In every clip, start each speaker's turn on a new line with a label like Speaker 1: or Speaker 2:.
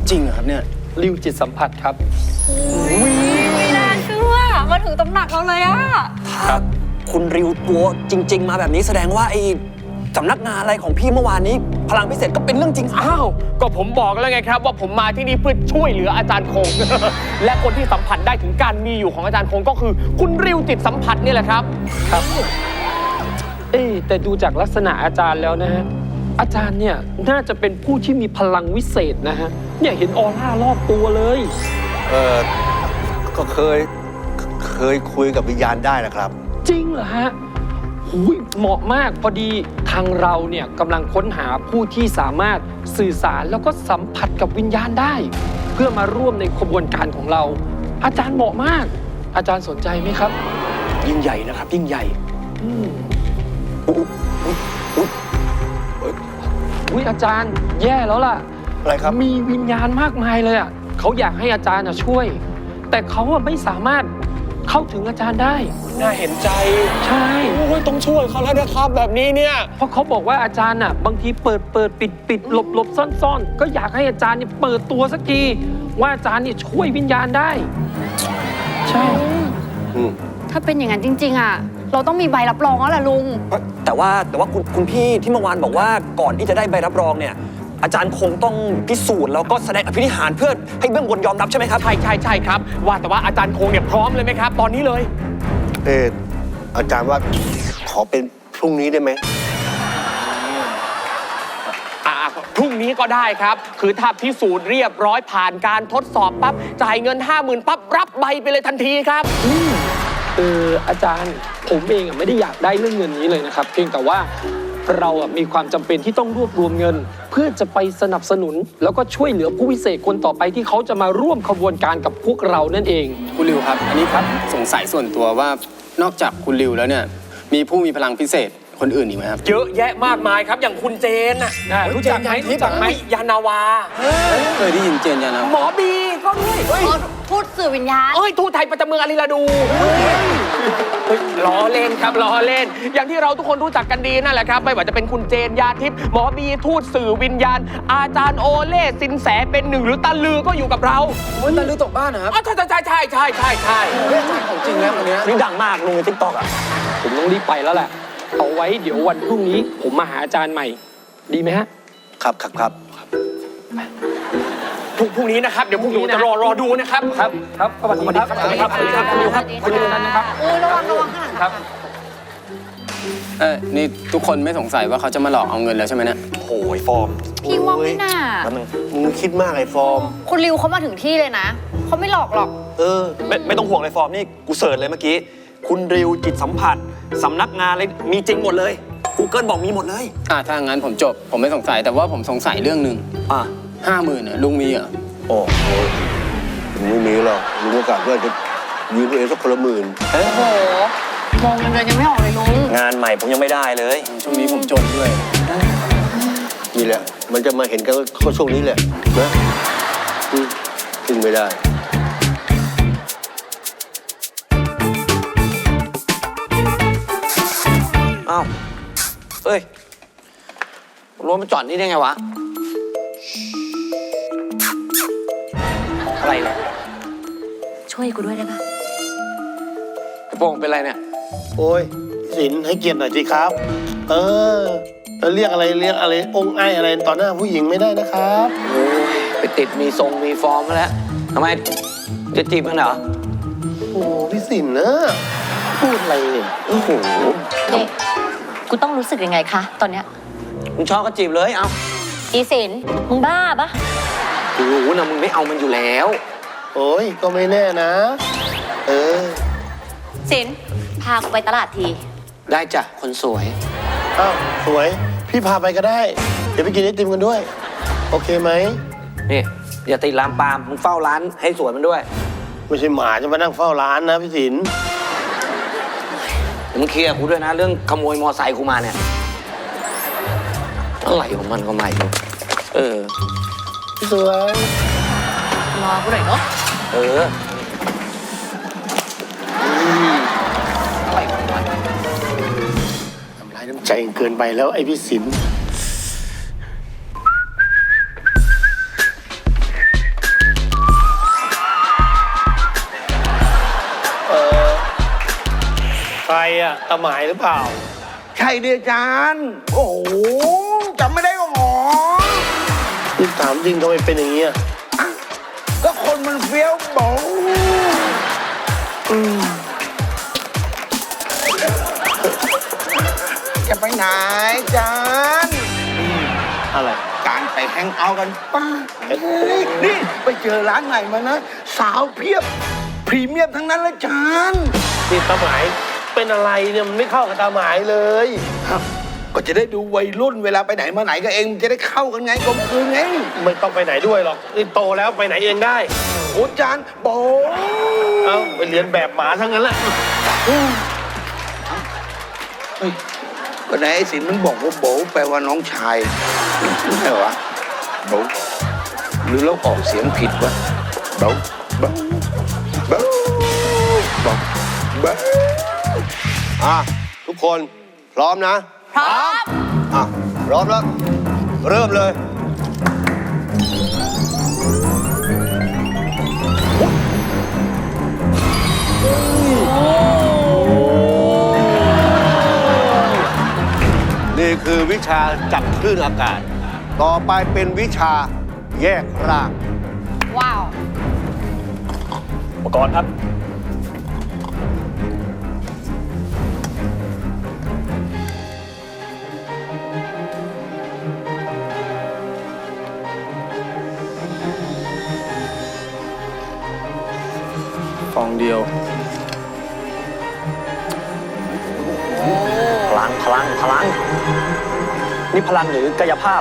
Speaker 1: จริงเหรอครับเนี่ย
Speaker 2: ริวจิตสัมผัสครับ
Speaker 3: ไม่น่าเชื่อมาถึงตำหนักเราเลยอะ
Speaker 1: ถ้าคุณริวตัวจริงๆมาแบบนี้แสดงว่าไอ้สำนักงานอะไรของพี่เมื่อวานนี้พลังพิเศษก็เป็นเรื่องจริง
Speaker 2: อ้าวก็ผมบอกแล้วไงครับว่าผมมาที่นี่เพื่อช่วยเหลืออาจารย์คง และคนที่สัมผัสได้ถึงการมีอยู่ของอาจารย์คงก็คือคุณริวจิตสัมผัสนี่แหละครับครับแต่ดูจากลักษณะอาจารย์แล้วนะฮะอาจารย์เนี่ยน่าจะเป็นผู้ที่มีพลังวิเศษนะฮะเนี่ยเห็นออร่ารอบตัวเลย
Speaker 4: ก็เคยคุยกับวิญญาณได้นะครับ
Speaker 2: จริงเหรอฮะเหมาะมากพอดีทางเราเนี่ยกำลังค้นหาผู้ที่สามารถสื่อสารแล้วก็สัมผัสกับวิญญาณได้ เพื่อมาร่วมในขบวนการของเราอาจารย์เหมาะมากอาจารย์สนใจไหมครับ
Speaker 1: ยิ่งใหญ่นะครับยิ่งใหญ่
Speaker 2: อาจารย์แย่แล้วล่ะ
Speaker 4: อะไรครับ
Speaker 2: มีวิญญาณมากมายเลยอ่ะเขาอยากให้อาจารย์ช่วยแต่เขาไม่สามารถเข้าถึงอาจารย์ได้
Speaker 1: น่าเห็นใจ
Speaker 2: ใช่
Speaker 1: ต้องช่วยเขาแล้วนะครับแบบนี้เนี่ย
Speaker 2: เพราะเขาบอกว่าอาจารย์น่ะบางทีเปิดปิดหลบซ่อนก็อยากให้อาจารย์เนี่ยเปิดตัวสักทีว่าอาจารย์เนี่ยช่วยวิญญาณได้ใช่
Speaker 3: ถ้าเป็นอย่างนั้นจริงๆอะเราต้องมีใบรับรองแล้วล่ะลุง
Speaker 1: แต่ว่าคุณพี่ที่เมื่อวานบอกว่าก่อนที่จะได้ใบรับรองเนี่ยอาจารย์คงต้องพิสูจน์แล้วก็แสดงอภินิหารเพื่อให้เบื้องบนยอมรับใช่ไหมครับ
Speaker 2: ใช่ครับว่าแต่ว่าอาจารย์คงเนี่ยพร้อมเลยไหมครับตอนนี้เลย
Speaker 4: อาจารย์ว่าขอเป็นพรุ่งนี้ได้ไหม
Speaker 2: พรุ่งนี้ก็ได้ครับคือถ้าพิสูจน์เรียบร้อยผ่านการทดสอบปั๊บจ่ายเงิน 50,000ปั๊บรับใบไปเลยทันทีครับอาจารย์ผมเองไม่ได้อยากได้เรื่องเงินนี้เลยนะครับเพียงแต่ว่าเรามีความจำเป็นที่ต้องรวบรวมเงินเพื่อจะไปสนับสนุนแล้วก็ช่วยเหลือผู้พิเศษคนต่อไปที่เขาจะมาร่วมขบวนการกับพวกเรานั่นเอง
Speaker 5: คุณริวครับอันนี้ครับสงสัยส่วนตัวว่านอกจากคุณริวแล้วเนี่ยมีผู้มีพลังพิเศษคนอื่นอีกไหมครับ
Speaker 2: เยอะแยะมากมายครับอย่างคุณเจนน่ะรู้จักไหมยานาวา
Speaker 5: เคยได้ยินเจนยานาวา
Speaker 2: หมอบีก็ด้วย
Speaker 3: ทูตสื่อวิญญาณ
Speaker 2: ทูตไทยประจำเมืองอาริลาดูล้อเล่นครับล้อเล่นอย่างที่เราทุกคนรู้จักกันดีนั่นแหละครับไม่ว่าจะเป็นคุณเจนยาทิพย์หมอบีทูตสื่อวิญญาณอาจารย์โอเล่สินแสเป็นหนึ่งหรือตาลือก็อยู่กับเรา
Speaker 5: ตาลือตกบ้านนะครับ
Speaker 2: ใช่
Speaker 5: ของจริงแล้วคนนี้
Speaker 1: นี่ดังมากลงในทิกตอก
Speaker 2: ผมต้องรีบไปแล้วแหละเอาไว้เดี๋ยววันพรุ่งนี้ผมมาหาอาจารย์ใหม่ดีไหมฮะ
Speaker 4: ครับ
Speaker 2: พรุ่งนี้นะครับเดี๋ยวพวกหนูจะรอดูนะครับครับสวัสดีครับคุณดิวนะครับ
Speaker 3: ระวังข้างหลังครับ
Speaker 5: นี่ทุกคนไม่สงสัยว่าเขาจะมาหลอกเอาเงินแล้วใช่ไหมเนี่ย
Speaker 1: โอ้ยฟอร์ม
Speaker 3: พี่ว่าไม่น่า
Speaker 4: มึงคิดมากไอ้ฟอร์ม
Speaker 3: คุณริวเขามาถึงที่เลยนะเขาไม่หลอกหรอก
Speaker 1: ไม่ต้องห่วงเลยฟอร์มนี่กูเสิร์ชเลยเมื่อกี้คุณริวจิตสัมผัสสำนักงานเลยมีจริงหมดเลย Google บอกมีหมดเลย
Speaker 5: ถ้างั้นผมจบผมไม่สงสัยแต่ว่าผมสงสัยเรื่องหนึ่ง50,000ลุงมีเหรอ
Speaker 4: โอ้โหไม่มีหรอกลุงโอกาสว่าจะยืมตัวเองสักคนละ10,000
Speaker 3: โอ้โหมองเงินเดือนยังไม่ออกเลยลุง
Speaker 1: งานใหม่ผมยังไม่ได้เลย
Speaker 5: ช่วงนี้ผมจนด้วย
Speaker 4: นี่แหละมันจะมาเห็นกันก็ช่วงนี้แหละนะซึ่งไม่ได้
Speaker 1: อ้าวเฮ้ยรถมาจอดนี่ได้ไงวะอะไรเนี่ย
Speaker 3: ช่วยกูด้วยได้ปะ
Speaker 1: ไอ้โป่งเป็นไรเนี่ย
Speaker 4: โอ้ยสินให้เกียรติหน่อยสิครับจะเรียกอะไรองค์ไออะไรต่อหน้าผู้หญิงไม่ได้นะครับ
Speaker 1: โอ้ยไปติดมีทรงมีฟอร์มแล้วทำไมจะจีบกันเหรอ
Speaker 4: โอ้พี่สินนะพูดอะไรเนี่ยโอ้โห
Speaker 3: กูต้องรู้สึกยังไงคะตอนเนี้ย
Speaker 1: มึงชอบก็จีบเลยเอา
Speaker 3: อีสินมึงบ้าปะ
Speaker 1: กูรู้นะมึงไม่เอามันอยู่แล้ว
Speaker 4: โอ้ยก็ไม่แน่นะ
Speaker 3: สินพากูไปตลาดที
Speaker 1: ได้จ้ะคนสวย
Speaker 4: อ้าวสวยพี่พาไปก็ได้เดี๋ยวไปกินไอติมกันด้วยโอเคไหม
Speaker 1: นี่อย่าติดลามปามมึงเฝ้าร้านให้สวยมันด้วย
Speaker 4: ไม่ใช่หมาจะมานั่งเฝ้าร้านนะพี่สิน
Speaker 1: มึงเคลียร์กูด้วยนะเรื่องขโมยมอไซค์กูมาเนี่ยอะไรของมันก็ไม่รู้
Speaker 4: สวย
Speaker 3: รอกูหน่อยเนาะ
Speaker 4: อะไรของมันทำร้ายน้ำใจเกินไปแล้วไอ้พี่สินอ่ะตาหมายหรือเปล่า
Speaker 6: ใช่ดิอาจารย์ โอ้โหจำไม่ได้ก็หมอ
Speaker 4: นี่ถามจริงทำไมเป็นอย่างนี้อ่ะ
Speaker 6: ก็คนมันเฟี้ยวโบจะไปไหนอาจารย์
Speaker 4: อะไร
Speaker 6: การไปแฮงเอาท์กันป้าเฮ้ยนี่ไปเจอร้านใหม่มานะ สาวเพียบ พรีเมียมทั้งนั้นเลยอาจารย์
Speaker 4: นี่ตาหมายเป็นอะไรเนี่ยมันไม่เข้ากับตาหมายเลย
Speaker 6: ครับก็จะได้ดูวัยรุ่นเวลาไปไหนมาไหนกับเองมันจะได้เข้ากันไงกลมกลืนไง
Speaker 4: ไม่ต้องไปไหนด้วยหรอกนี่โตแล้วไปไหนเองได้
Speaker 6: โอ้อาจารย์โบ
Speaker 4: เอาไปเรียนแบบหมาทั้งนั้นแหละ
Speaker 6: ก็ไหนไอ้สินมันบอกว่าโบแปลว่าน้องชายไม่ใช่เหรอวะโบหรือเราออกเสียงผิดวะโบโบโบโบโบ
Speaker 7: ทุกคนพร้อมนะ
Speaker 3: พร้อม
Speaker 7: พร้อมแล้ว เริ่มเลย นี่คือวิชาจับคลื่นอากาศ ต่อไปเป็นวิชาแยกร่าง
Speaker 3: ว้าว
Speaker 1: อุปกรณ์ครับ
Speaker 5: ฟองเดียว
Speaker 1: พลัง นี่พลังหรือกายภาพ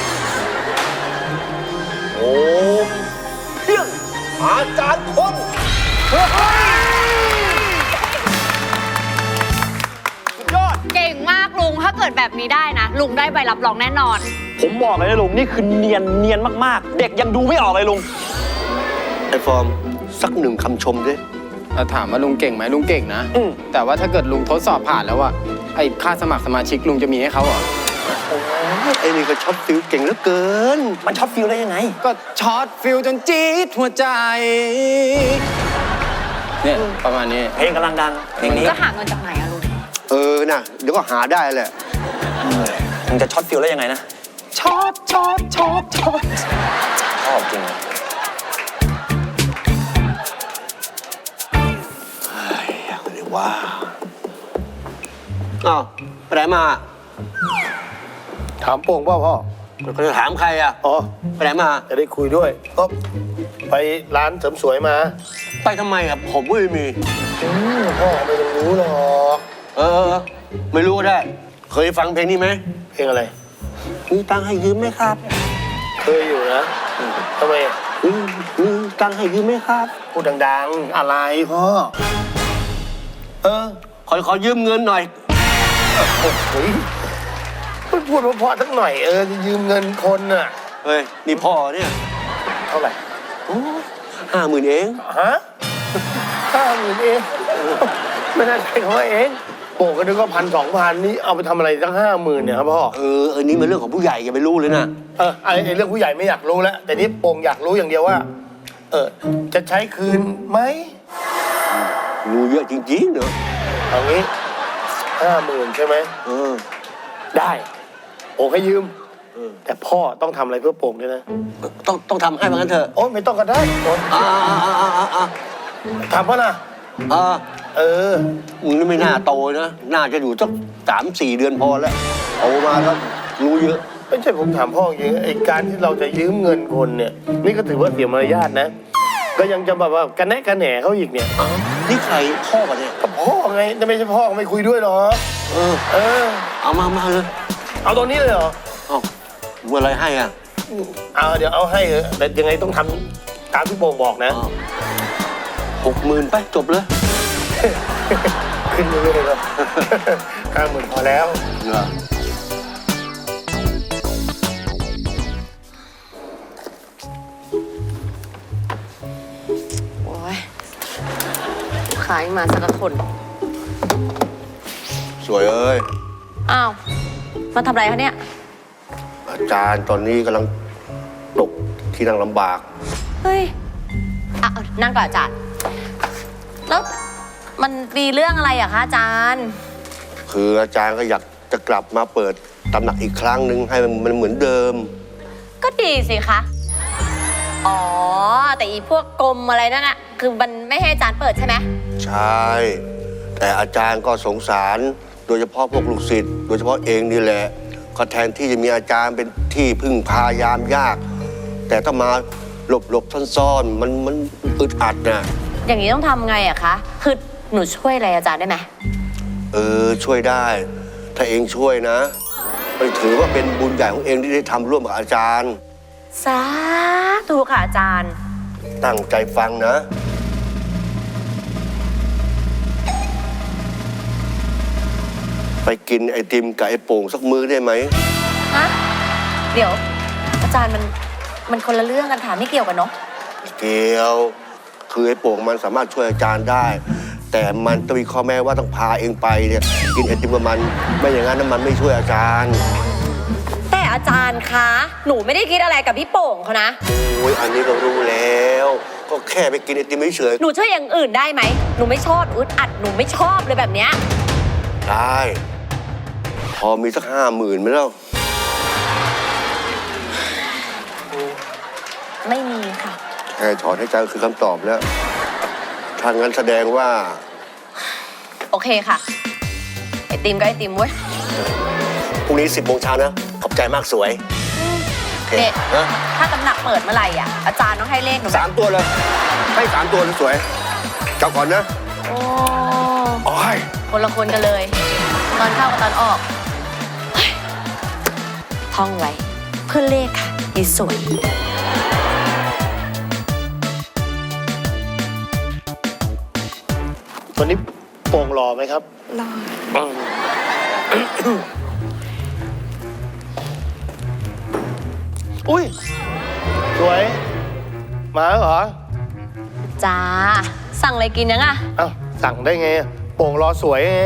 Speaker 1: โอ้เพียงอาจารย์คงสุดยอด
Speaker 3: เก่งมากลุง ถ้าเกิดแบบนี้ได้นะ ลุงได้ใบรับรองแน่นอน
Speaker 1: ผมบอกเลยนะลุง นี่คือเนียนมากๆ เด็กยังดูไม่ออกเลยลุง
Speaker 7: ไอ้ฟอร์ม สักหนึ่งคำชมดิ
Speaker 5: ถ้าถามว่าลุงเก่งไหมลุงเก่งนะ
Speaker 1: อืม
Speaker 5: แต่ว่าถ้าเกิดลุงทดสอบผ่านแล้วอะไอ้ค่าสมัครสมาชิกลุงจะมีให้เขาเหรอ
Speaker 7: ไอ้นี่ก็ช็อตฟิลเก่งเหลือเกิน
Speaker 1: มันช็อตฟิลได้ยังไง
Speaker 5: ก็ช็อตฟิลจนจี๊ดหัวใจ เนี่ยประมาณนี้
Speaker 1: เพลงกำลังดัง เพลงนี้
Speaker 3: จะหาเงินจากไหนอะลุง
Speaker 7: น่ะ เดี๋ยวก็หาได้แหละ
Speaker 1: มึงจะช็อตฟิลได้ยังไงนะ
Speaker 5: ช็อต
Speaker 1: ชอบจริง
Speaker 7: เดี๋ยวว่าอ้าวไปไหนมา
Speaker 4: ถามโป่งเปล่าพ่อ
Speaker 7: ก็จะถามใครอ่ะ
Speaker 4: อ๋อ
Speaker 7: ไปไหนมา
Speaker 4: จะได้คุยด้วย ก็ไปร้านเสริมสวยมา
Speaker 7: ไปทำไมอ่ะ ผมไม่มี
Speaker 4: พ่อไม่ต้องรู้หรอก
Speaker 7: ไม่รู้ก็ได้ เคยฟังเพลงนี้ไหม
Speaker 4: เพลงอะไร
Speaker 7: มีตังค์ให้ยืมไหมครับ
Speaker 4: เคยอยู่นะทำไมอะ
Speaker 7: มีตังค์ให้ยืมไหมครับ
Speaker 4: พูดดังๆ อะไรพ่อ
Speaker 7: ขอยืมเงินหน่อย
Speaker 4: เฮ้ยพูดเพราะๆสักหน่อยจะยืมเงินคนน่ะ
Speaker 7: เฮ้ย นี่พ่อเนี่ย
Speaker 4: เท่าไหร่
Speaker 7: 50,000เอง
Speaker 4: ฮะ50,000เอง ไม่น่าใช่เขาเองโป่งก็นึกว่า1,000-2,000นี่เอาไปทำอะไรตั้ง50,000เนี่ยครับพ่อ
Speaker 7: อันนี้มันเรื่องของผู้ใหญ่อย่าไปรู้เลยนะ
Speaker 4: ไอ้เรื่องผู้ใหญ่ไม่อยากรู้แล้ว แต่นี่โป่งอยากรู้อย่างเดียวว่า จะใช้คืนไหม
Speaker 7: รู้เยอะจริงๆเนอะ
Speaker 4: เอางี้50,000ใช่ไหม ได้โป่งให้ยืม แต่พ่อต้องทำอะไรเพื่อโป่งด้วยนะ
Speaker 7: ต้องทำให้มันกันเถอะ
Speaker 4: โอ้ไม่ต้องก็ได้โอ้ ทำป่ะนะ
Speaker 7: มึงนี่ไม่น่าโตนะ น่าจะอยู่สัก3-4 เดือนพอแล้วโตมาแล้วรู้เยอะ
Speaker 4: ไม่ใช่ผมถามพ่อจริงไอ้การที่เราจะยืมเงินคนเนี่ย นี่ก็ถือว่าเสียมารยาทนะ ก็ยังจะแบบว่ากันแนะกันแหน่เขาอีกเนี่ย
Speaker 7: นี่ใครพ่อกันเนี่ย
Speaker 4: ก็พ่อไงแต่ไม่ใช่พ่อไม่คุยด้วยหรอ
Speaker 7: เอามาเลย
Speaker 4: เอาตรงนี้เลยเหรอ
Speaker 7: เอาเมื่อไรให้อ่ะ
Speaker 4: เดี๋ยวเอาให้เถอะแต่ยังไงต้องทำตามที่โป่งบอกนะ
Speaker 7: 60,000ไปจบเลย
Speaker 4: ขึ้นเรื่อยๆครับ 50,000พอแล้ว
Speaker 7: เหรอ
Speaker 8: โอ้ยลูกค้ายังมาสักคน
Speaker 7: สวยเอ้ย
Speaker 8: อ้าว มาทำอะไรคะเนี่ย
Speaker 7: อาจารย์ตอนนี้กำลังตกที่นั่งลำบาก
Speaker 8: เฮ้ย นั่งก่อนอาจารย์ แล้วมันมีเรื่องอะไรอะคะอาจารย์
Speaker 7: คืออาจารย์ก็อยากจะกลับมาเปิดตำหนักอีกครั้งหนึ่งให้มันเหมือนเดิม
Speaker 8: ก็ดีสิคะ อ๋อ แต่อีพวกกรมอะไรนั่นอะคือมันไม่ให้อาจารย์เปิดใช่ไหม
Speaker 7: ใช่ แต่อาจารย์ก็สงสาร โดยเฉพาะพวกลูกศิษย์โดยเฉพาะเองนี่แหละก็แทนที่จะมีอาจารย์เป็นที่พึ่งพายามยาก แต่ถ้ามาหลบซ่อนๆมันอึดอัดน่ะ
Speaker 8: อย่างนี้ต้องทำไงอะคะ คือหนูช่วยอะไรอาจารย์ได้ไหม
Speaker 7: ช่วยได้ ถ้าเองช่วยนะมันถือว่าเป็นบุญใหญ่ของเองที่ได้ทำร่วมกับอาจารย์
Speaker 8: สาธุค่ะอาจารย์
Speaker 7: ตั้งใจฟังนะ ไปกินไอติมกับไอโป่งสักมื้อได้ไหม
Speaker 8: ฮะ เดี๋ยว อาจารย์มันคนละเรื่องกันค่ะไม่เกี่ยวกันเนาะ
Speaker 7: เกี่ยว คือไอโป่งมันสามารถช่วยอาจารย์ได้ แต่มันต้องมีข้อแม้ว่าต้องพาเองไปเนี่ยกินไอติมกับมัน ไม่อย่างนั้นมันไม่ช่วยอาจารย์
Speaker 8: แต่อาจารย์คะ หนูไม่ได้คิดอะไรกับพี่โป่งเขานะ
Speaker 7: โอ้ยอันนี้ก็รู้แล้ว ก็แค่ไปกินไอติมเฉย
Speaker 8: หนูช่วยอย่างอื่นได้ไหม หนูไม่ชอบอึดอัด หนูไม่ชอบเลยแบบเนี้ย
Speaker 7: ๆได้ พอมีสัก50,000ไหมเล่า
Speaker 8: ไม่มีค่ะ
Speaker 7: แค่ถอนให้ใจก็คือคำตอบแล้วถ้างั้นแสดงว่า
Speaker 8: โอเคค่ะ ไอติมก็ไอติมเว้ย
Speaker 7: พรุ่งนี้ 10 โมงเช้านะ ขอบใจมากสวยโอเค
Speaker 8: เนี่ย
Speaker 7: ฮะ
Speaker 8: ถ้าตำหนักเปิดเมื่อไหร่อ่ะ อาจารย์ต้องให้เลขหนูนะ
Speaker 7: 3 ตัวเลย ให้ 3 ตัวเลยสวยเจ้าก่อนนะ
Speaker 8: โอ้
Speaker 7: โอ้ย
Speaker 8: คนละคนกันเลย ตอนเข้ากับตอนออกเฮ้ยท่องไว้ เพื่อเลขค่ะอีสวย
Speaker 4: วันนี้โป่งรอไหมครับ
Speaker 3: รอ
Speaker 4: อุ้ย สวย มาแล้วเหรอ
Speaker 8: จ้า สั่งอะไรกินยังอ่ะ
Speaker 4: อ้าวสั่งได้ไงอะโป่งรอสวยไง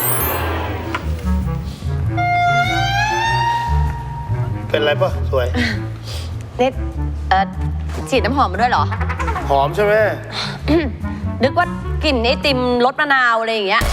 Speaker 4: เป็นไรปะสวย
Speaker 8: นี่ฉีดน้ำหอมมาด้วยเหรอ
Speaker 4: หอมใช่ไหม
Speaker 8: นึกว่ากลิ่นไอติมรสมะนาวอะไรอย่างเงี้ย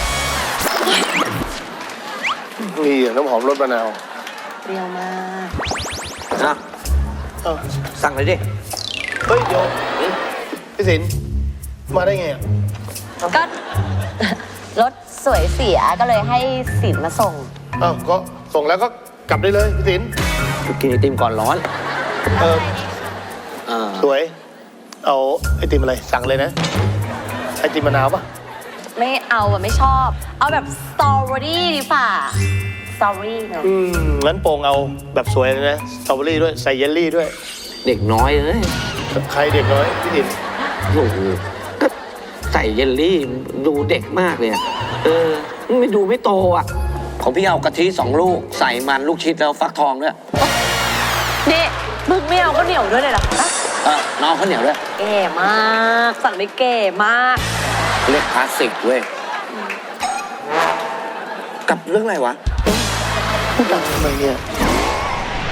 Speaker 4: นี่น้ำหอมรสมะนาว
Speaker 8: เปรี้ยวมาก
Speaker 1: นะ
Speaker 4: อ้าว
Speaker 1: สั่งเลยดิ
Speaker 4: เฮ้ย เดี๋ยวพี่สินมาได้ไงอะ
Speaker 8: ก็ รถสวยเสียก็เลยให้สินมาส่ง
Speaker 4: อ้าวก็ส่งแล้วก็กลับได้เลยพี่สิน
Speaker 1: กินไอติมก่อนร้อน
Speaker 4: เออสวย เอาไอติมอะไร สั่งเลยนะ ไอติมมะนาวปะ
Speaker 8: ไม่เอาอะไม่ชอบ เอาแบบสตรอเบอรี่ดีฝ่าสตรอเบอรี่เนอะ
Speaker 4: งั้นโป่งเอาแบบสวยเลยนะ สตรอเบอรี่ด้วย ใส่เยลลี่ด้วย
Speaker 1: เด็กน้อยเอ้ย
Speaker 4: ใครเด็กน้อยพี่สิน
Speaker 1: โอ้โหก็ใส่เยลลี่ดูเด็กมากเลยอะไม่ดูไม่โตอ่ะ ของพี่เอากะทิ2 ลูก ใส่มันลูกชิดแล้วฟักทองด้วย
Speaker 8: นี่มึงไม่เอาก็เหนียวด้วยเลยเหรอคะ
Speaker 1: น้องข้าวเหนียวด้วย
Speaker 8: แก่มาก สั่งได้แก่มาก
Speaker 1: เรียกคลาสสิกเว้ย กับเรื่องอะไรวะ
Speaker 4: พูดดังทำไมเนี่ย
Speaker 8: ฮ